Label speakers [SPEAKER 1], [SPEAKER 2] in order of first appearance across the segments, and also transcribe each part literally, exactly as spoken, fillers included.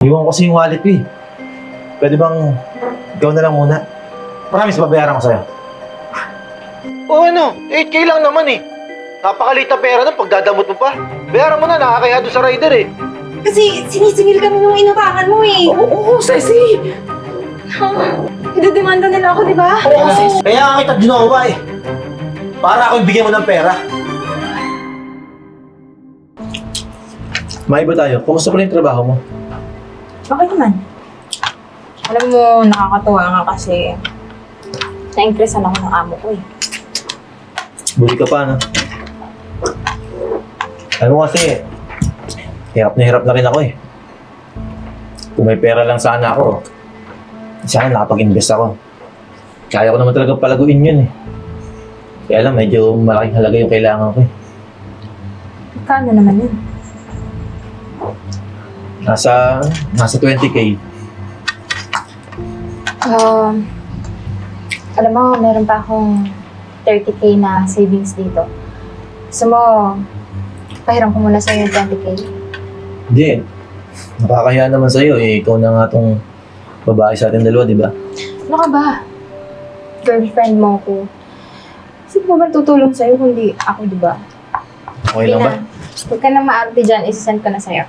[SPEAKER 1] Naiwan ko kasi yung wallet ko eh. Pwede bang ikaw na lang muna? Promise, babayaran ko sa'yo.
[SPEAKER 2] O ano, eight K lang naman eh. Napakaliit na pera nun pagdadamot mo pa. Bayaran mo na, nakakaya doon sa rider eh.
[SPEAKER 3] Kasi sinisingil kami nung inutangan mo eh.
[SPEAKER 4] Oo, oo, Ceci!
[SPEAKER 3] Idedemanda nila ako, di ba?
[SPEAKER 1] Oo, sis. Kaya nga kita ginawa eh. Para ako bigyan mo ng pera. Maiba tayo. Kumusta pala yung trabaho mo?
[SPEAKER 3] Okay naman. Alam mo, nakakatuwa nga kasi na-impressan ako ng amo ko eh.
[SPEAKER 1] Buti ka pa, no? Alam mo kasi, hirap na hirap na rin ako eh. Kung may pera lang sana ako, sana nakapag-invest ako. Kaya ko naman talaga palaguin yun eh. Kaya lang, medyo malaking halaga yung kailangan ko eh.
[SPEAKER 3] Kano naman yun?
[SPEAKER 1] Nasa, nasa twenty K.
[SPEAKER 3] Um, alam mo, meron pa akong thirty K na savings dito. Gusto mo, pahiram ko muna sa'yo yung twenty K.
[SPEAKER 1] Hindi. Nakakahiya naman sa'yo eh. Ikaw na nga tong babae sa ating dalawa, di ba?
[SPEAKER 3] Ano ka ba? Girlfriend mo ko. Sino ba tutulong sa'yo kundi ako, di ba?
[SPEAKER 1] Okay lang ba?
[SPEAKER 3] Huwag ka na maarte dyan, isasend ko na sa'yo.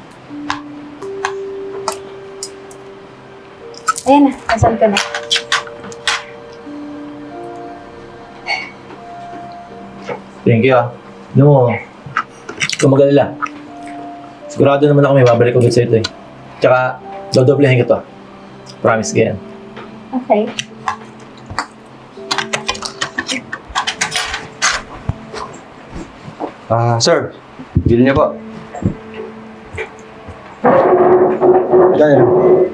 [SPEAKER 3] Ayan na, nasend ko na.
[SPEAKER 1] Thank you ah. Alam mo, kung mag-alala, sigurado naman ako may babalik ulit sa ito eh. Tsaka, dodoblehin ko to. Promise ka yan.
[SPEAKER 3] Okay.
[SPEAKER 2] Ah, sir. Bill niyo po. Dahil.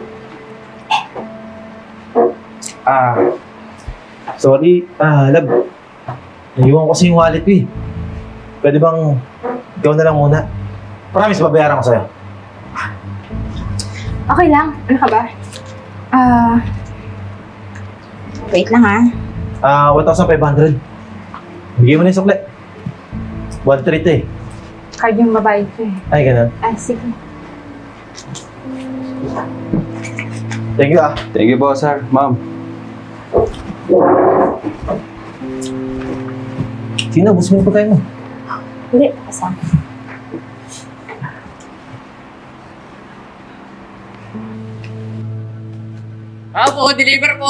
[SPEAKER 1] Ah, sorry. Ah, love. Naiwan ko kasi yung wallet ko eh. Pwede bang ikaw na lang muna? Promise, babayaran ko sa'yo.
[SPEAKER 3] Okay lang. Ano ka ba? Ah... wait lang ha.
[SPEAKER 1] Ah, one thousand five hundred. Bigay mo na yung sukle. one thirty eh.
[SPEAKER 3] Card yung babae ko eh.
[SPEAKER 1] Ay, ganun.
[SPEAKER 3] Ah, sige.
[SPEAKER 1] Thank you ah.
[SPEAKER 2] Thank you po, sir. Ma'am.
[SPEAKER 1] Sino, gusto mo yung pagkain mo?
[SPEAKER 3] Hindi, kasama.
[SPEAKER 4] Apo, deliver po!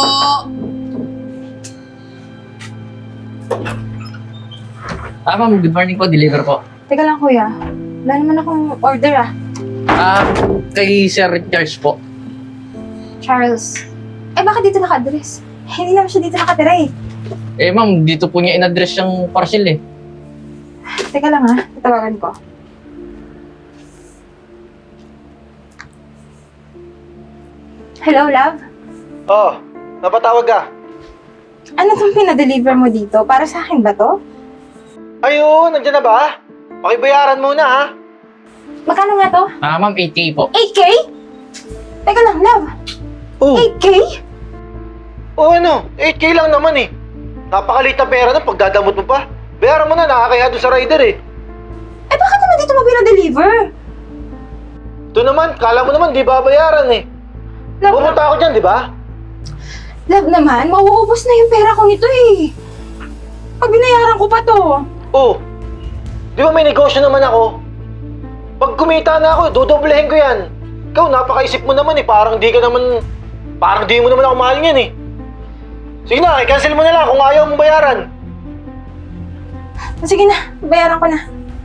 [SPEAKER 4] Ah, ma'am, good morning po. Deliver po.
[SPEAKER 3] Teka lang kuya. Wala naman akong order ah.
[SPEAKER 4] Ah, kay Sir Charles po.
[SPEAKER 3] Charles. Eh, bakit dito naka-address? Hindi naman siya dito nakatira eh.
[SPEAKER 4] Eh, ma'am, dito po niya in-address yung parcel eh.
[SPEAKER 3] Teka lang ha. Tatawagan ko. Hello, love?
[SPEAKER 2] Oh, napatawag ka.
[SPEAKER 3] Ano tong pinadeliver mo dito? Para sa akin ba to?
[SPEAKER 2] Ayun, nandiyan na ba? Pakibayaran muna ha.
[SPEAKER 3] Magkano nga to?
[SPEAKER 4] Ah, ma'am, eight K po.
[SPEAKER 3] eight K? Teka lang, love.
[SPEAKER 2] Oh,
[SPEAKER 3] eight K?
[SPEAKER 2] oh ano, eight K lang naman eh. Napakaliit na pera nun pagdadamot mo pa. Bayaran mo na, nakakaya doon sa rider eh.
[SPEAKER 3] Eh, bakit naman dito mo pinadeliver?
[SPEAKER 2] Ito naman, kala mo naman di babayaran eh.
[SPEAKER 3] Love,
[SPEAKER 2] Pumunta ako dyan, di ba?
[SPEAKER 3] love naman, mauubos na yung pera ko nito eh. Pag binayaran ko pa to.
[SPEAKER 2] Oh, di ba may negosyo naman ako? Pag kumita na ako, dodoblehin ko yan. Ikaw, napakaisip mo naman eh. Parang di ka naman, parang di mo naman ako mahal niyan eh. Sige na, i-cancel mo na lang kung ayaw mong bayaran.
[SPEAKER 3] Sige na, bayaran ko na.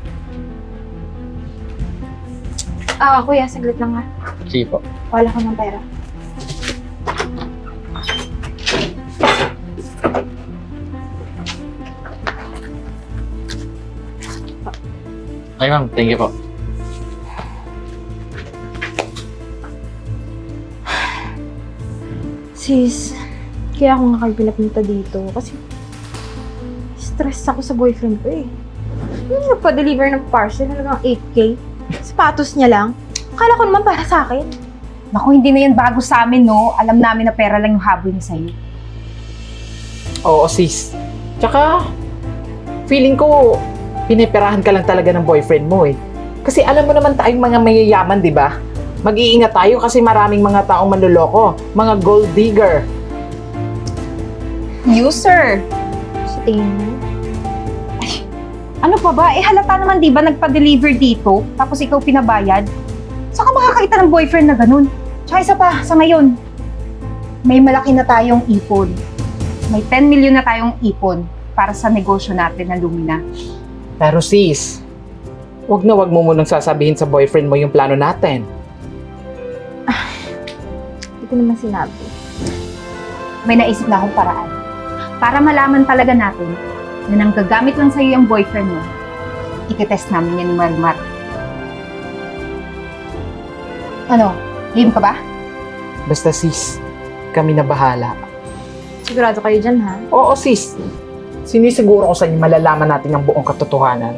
[SPEAKER 3] Ah, kuya, saglit lang ha.
[SPEAKER 4] Sige po.
[SPEAKER 3] Wala ko ng pera.
[SPEAKER 4] Okay, ma'am. Thank you po.
[SPEAKER 3] Sis, kaya ako nga kayo pinapunta dito kasi stress ako sa boyfriend ko eh. Hindi nagpa-deliver ng parcel halagang eight K. Sapatos niya lang. Akala ko naman para sa akin.
[SPEAKER 5] Naku, hindi na yan bago sa amin, no? Alam namin na pera lang yung habol niya sa'yo.
[SPEAKER 6] Oo, sis. Tsaka, feeling ko, piniperahan ka lang talaga ng boyfriend mo eh. Kasi alam mo naman tayong mga mayayaman, di ba? mag-iingat tayo kasi maraming mga taong manloloko, mga gold digger.
[SPEAKER 5] You, sir.
[SPEAKER 3] Sa tingin mo?
[SPEAKER 5] Ano pa ba? Eh halata naman di ba nagpa-deliver dito, tapos ikaw pinabayad? Saan ka makakita ng boyfriend na ganun? Tsaka isa pa, sa ngayon, may malaki na tayong ipon. May ten million na tayong ipon para sa negosyo natin na Lumina.
[SPEAKER 6] Pero sis, wag na wag mo munang sasabihin sa boyfriend mo yung plano natin.
[SPEAKER 3] Hindi ko naman sinabi.
[SPEAKER 5] May naisip na akong paraan. Para malaman talaga natin na nang gagamit lang sa'yo yung boyfriend mo, ikitest namin yan ni Marimar. Ano? Game ka ba?
[SPEAKER 6] Basta sis, kami na bahala.
[SPEAKER 3] Sigurado kayo dyan, ha?
[SPEAKER 6] Oo sis, sinisiguro ko sa inyo malalaman natin ang buong katotohanan.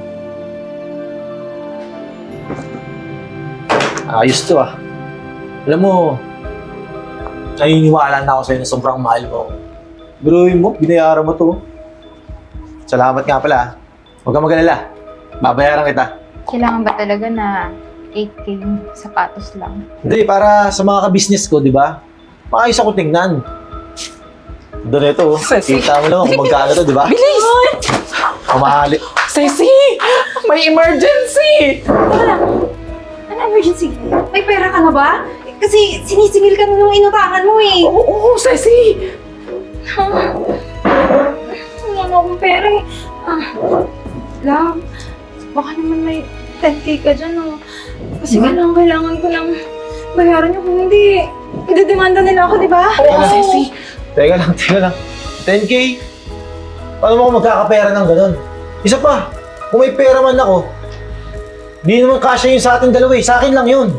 [SPEAKER 1] Ayos to ah. Alam mo, naniniwala na ako sa'yo na sobrang mahal mo. Biruin mo, binayaran mo to. Salamat nga pala ah. Huwag kang mag-alala. Babayaran kita.
[SPEAKER 3] Kailangan ba talaga na eight K sapatos lang?
[SPEAKER 1] Hindi, para sa mga ka-business ko, di ba? Maayos ako tingnan. Doon ito, oh.
[SPEAKER 6] Sesi.
[SPEAKER 1] Kita mo naman kung magkano to, di ba?
[SPEAKER 6] Bilis!
[SPEAKER 1] Kumahali.
[SPEAKER 6] Ceci! May emergency!
[SPEAKER 3] Ano emergency?
[SPEAKER 5] May pera ka na ba? Kasi sinisingil ka na nung inutangan mo eh.
[SPEAKER 6] Oo, oo, Ceci!
[SPEAKER 3] Wala na akong pera eh. Ah, love, baka naman may ten K ka dyan, oh. Kasi kailangan, kailangan ko lang bayaran niyo kung hindi. Idedemanda nila ako, di ba?
[SPEAKER 6] Oo, Ceci!
[SPEAKER 1] Teka lang, teka lang. ten K? Paano mo ako magkakapera ng ganun? Isa pa, kung may pera man ako, di naman kasya yun sa ating dalawa eh. Sa akin lang yun.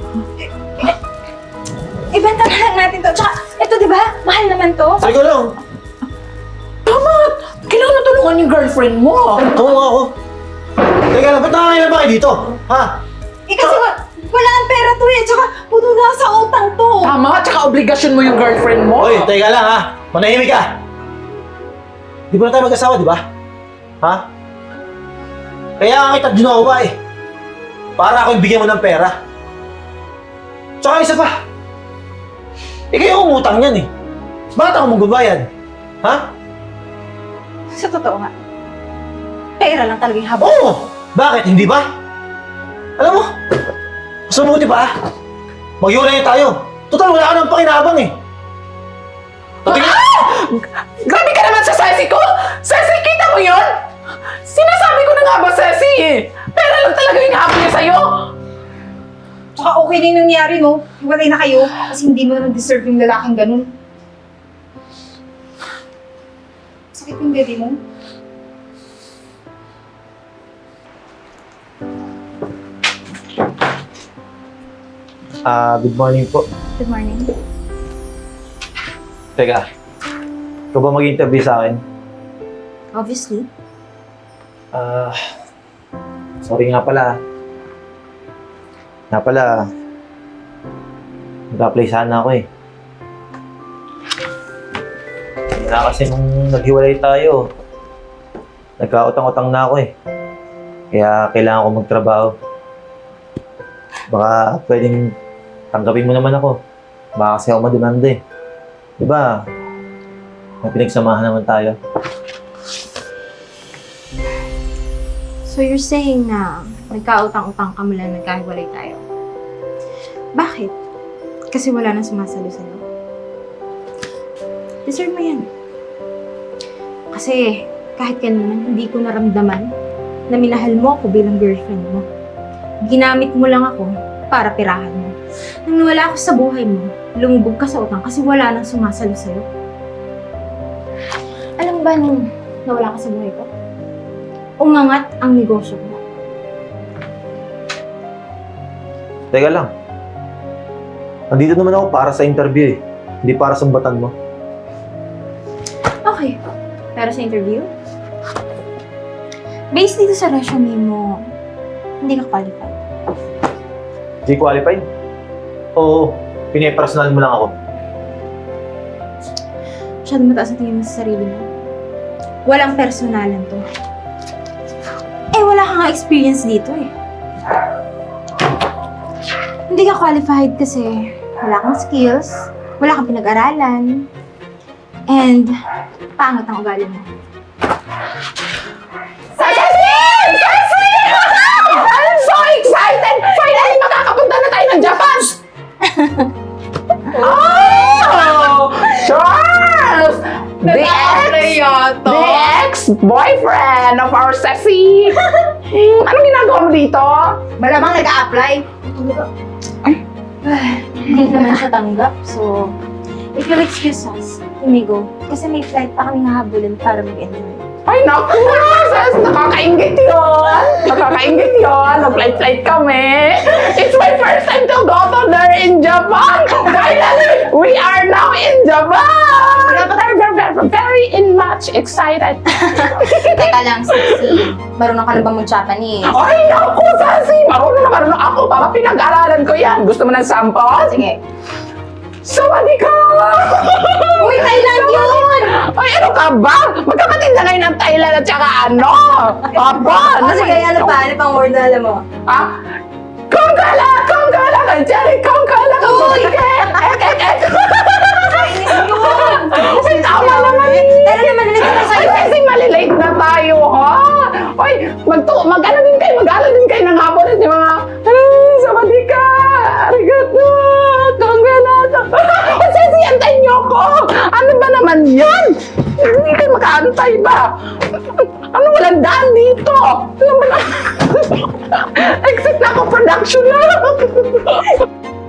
[SPEAKER 3] Ibenta na lang natin to. Tsaka, ito di ba? Mahal naman to.
[SPEAKER 1] Teka lang,
[SPEAKER 6] Kailangan natulungan yung girlfriend mo!
[SPEAKER 1] tumunga ako. Teka lang, ba't nakakailan ba kayo dito? Ha?
[SPEAKER 5] Eh kasi wa- wala ang pera to eh. Tsaka puno na sa utang to.
[SPEAKER 6] Tama, tsaka obligasyon mo yung girlfriend mo!
[SPEAKER 1] Hoy, teka lang ha. Manahimik ka. Di ba na tayo mag-asawa, di ba? Ha? Kaya nga kita ginawa eh. Para ako bigyan mo ng pera. Tsaka isa pa. Eh kayo umutang yan eh. Bakit ako magbabayad? Ha?
[SPEAKER 3] Sa totoo nga. Pera lang talaga yung habang.
[SPEAKER 1] Oo! Bakit? Hindi ba? Alam mo, mas mabuti pa ah. Mag-iwalay tayo. Total, wala ka nang pakinabang eh. Tatingin!
[SPEAKER 6] Grabe ka naman sa Ceci ko! Ceci, kita mo yun? Sinasabi ko na nga ba, Ceci eh? Pera lang talaga yung habol niya sa'yo!
[SPEAKER 5] Tsaka okay na yung nangyari no. Hiwalay na kayo. Kasi hindi mo naman deserve yung lalaking ganun. Sakit yung baby mo.
[SPEAKER 1] Ah, good morning po.
[SPEAKER 3] Good morning.
[SPEAKER 1] Teka, ikaw ba mag-interview sa akin?
[SPEAKER 3] Obviously.
[SPEAKER 1] Ah, sorry nga pala. Nga pala, nag-apply sana ako eh. Hindi na kasi nung naghiwalay tayo, nagkautang-utang na ako eh. Kaya kailangan ko magtrabaho. Baka pwedeng tanggapin mo naman ako. Baka kasi ako mademanda eh. Diba? May pinagsamahan naman tayo.
[SPEAKER 3] So you're saying na nagkautang-utang ka mula nagkahiwalay tayo? Bakit? Kasi wala nang sumasalo sa'yo? Deserve mo yan. Kasi kahit kailan hindi ko naramdaman na minahal mo ako bilang girlfriend mo. Ginamit mo lang ako para pirahan mo. Nang nawala ako sa buhay mo, lumubog ka sa utang kasi wala nang sumasalo sa'yo. Alam mo ba nung nawala ka sa buhay ko? Umangat ang negosyo mo.
[SPEAKER 1] Teka lang. Nandito naman ako para sa interview eh. Hindi para sumbatan mo.
[SPEAKER 3] Okay. Pero sa interview, based dito sa resume mo, hindi ka qualified.
[SPEAKER 1] Di qualified? Oo, pinipersonal mo lang ako.
[SPEAKER 3] Masyado mataas ang tingin mo sa sarili mo. Walang personalan to. Eh, wala ka nga experience dito eh. Hindi ka qualified kasi wala kang skills, wala kang pinag-aralan, and pangit ang ugali mo.
[SPEAKER 6] Ceci! Ceci! I'm so excited! Finally, makakapunta na tayo ng Japan! Oh! Charles! The ex, the ex-boyfriend of our Ceci! Hmm, anong ginagawa mo dito?
[SPEAKER 3] Malamang nag-a-apply. Hindi naman siya tanggap, so if you'll excuse us, let me go. Kasi may flight pa kami hahabulin para mag-enjoy.
[SPEAKER 6] Ay, naku! Sis, nakakaingit yun! Nakakaingit yun! Nag-flight-flight kami! It's my first time to go to there in Japan! Finally, we are now in Japan! Very, very, very, very in much excited!
[SPEAKER 3] Teka lang, sexy. Marunong ka na ba mag-Japanese?
[SPEAKER 6] Ay, naku, Sassy! Marunong na marunong ako! Baka pinag-aralan ko yan! Gusto mo ng sample?
[SPEAKER 3] Sige.
[SPEAKER 6] Sawadee ka!
[SPEAKER 3] Uy, Thailand yun!
[SPEAKER 6] Ay, ano ka ba? Magkapatid na ngayon ng Thailand at saka ano? Aba!
[SPEAKER 3] O sige, ano pa? Ano pang word na alam mo?
[SPEAKER 6] Ah? Konggala! Konggala ka dyan! Konggala ka! Uy! Ek! Ek! Ek! Ek!
[SPEAKER 3] Chinese yun!
[SPEAKER 6] Uy, tama naman!
[SPEAKER 3] Pero naman, nalito na
[SPEAKER 6] Ay,
[SPEAKER 3] sa'yo.
[SPEAKER 6] kasi malilate na tayo, ha? Uy, magtu mag-ano din kayo, mag-ano din kayo ng hapon at yung mga, ay, sawadee ka! Arigato! Konggala! Uy, Ceci, antayin niyo ako! Ano ba naman yan? Hindi kayo makaantay ba? Ano, walang daan dito? Ano ba na? Exit na ako, production na!